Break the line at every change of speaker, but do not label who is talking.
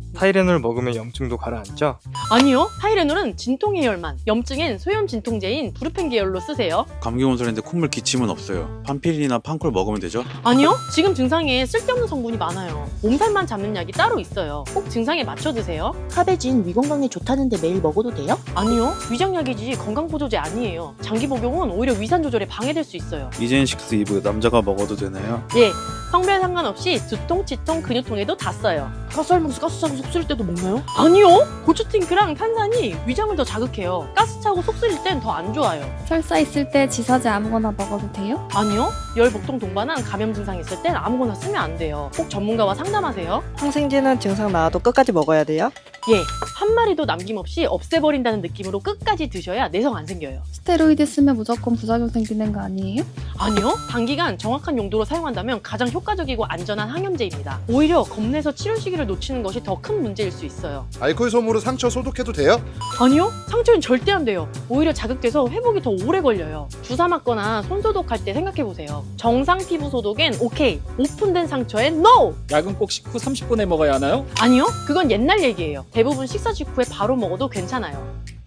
타이레놀 먹으면 염증도 가라앉죠?
아니요, 타이레놀은 진통 해열만, 염증엔 소염 진통제인 브루펜 계열로 쓰세요.
감기 온설인데 콧물 기침은 없어요. 판피린이나 판콜 먹으면 되죠?
아니요, 지금 증상에 쓸데없는 성분이 많아요. 몸살만 잡는 약이 따로 있어요. 꼭 증상에 맞춰 드세요.
카베진 위 건강에 좋다는데 매일 먹어도 돼요?
아니요, 위장약이지 건강보조제 아니에요. 장기 복용은 오히려 위산 조절에 방해될 수 있어요.
이젠식스 이브 남자가 먹어도 되나요?
예, 성별 상관없이 두통, 치통, 근육통에도 다 써요.
가스 알면서 가스 차고 속 쓰릴 때도 먹나요?
아니요, 고추팅크랑 탄산이 위장을 더 자극해요. 가스 차고 속 쓰릴 땐 더 안 좋아요.
설사 있을 때 지사제 아무거나 먹어도 돼요?
아니요, 열, 복통 동반한 감염 증상 있을 땐 아무거나 쓰면 안 돼요. 꼭 전문가와 상담하세요.
항생제는 증상 나와도 끝까지 먹어야 돼요?
예, 한 마리도 남김없이 없애버린다는 느낌으로 끝까지 드셔야 내성 안 생겨요.
스테로이드 쓰면 무조건 부작용 생기는 거 아니에요?
아니요, 단기간 정확한 용도로 사용한다면 가장 효과적이고 안전한 항염제입니다. 오히려 겁내서 치료 시기를 놓치는 것이 더 큰 문제일 수 있어요.
알코올 솜으로 상처 소독해도 돼요?
아니요, 상처는 절대 안 돼요. 오히려 자극돼서 회복이 더 오래 걸려요. 주사 맞거나 손 소독할 때 생각해보세요. 정상 피부 소독엔 오케이, 오픈된 상처엔 NO!
약은 꼭 식후 30분에 먹어야 하나요?
아니요, 그건 옛날 얘기예요. 대부분 식사 직후에 바로 먹어도 괜찮아요.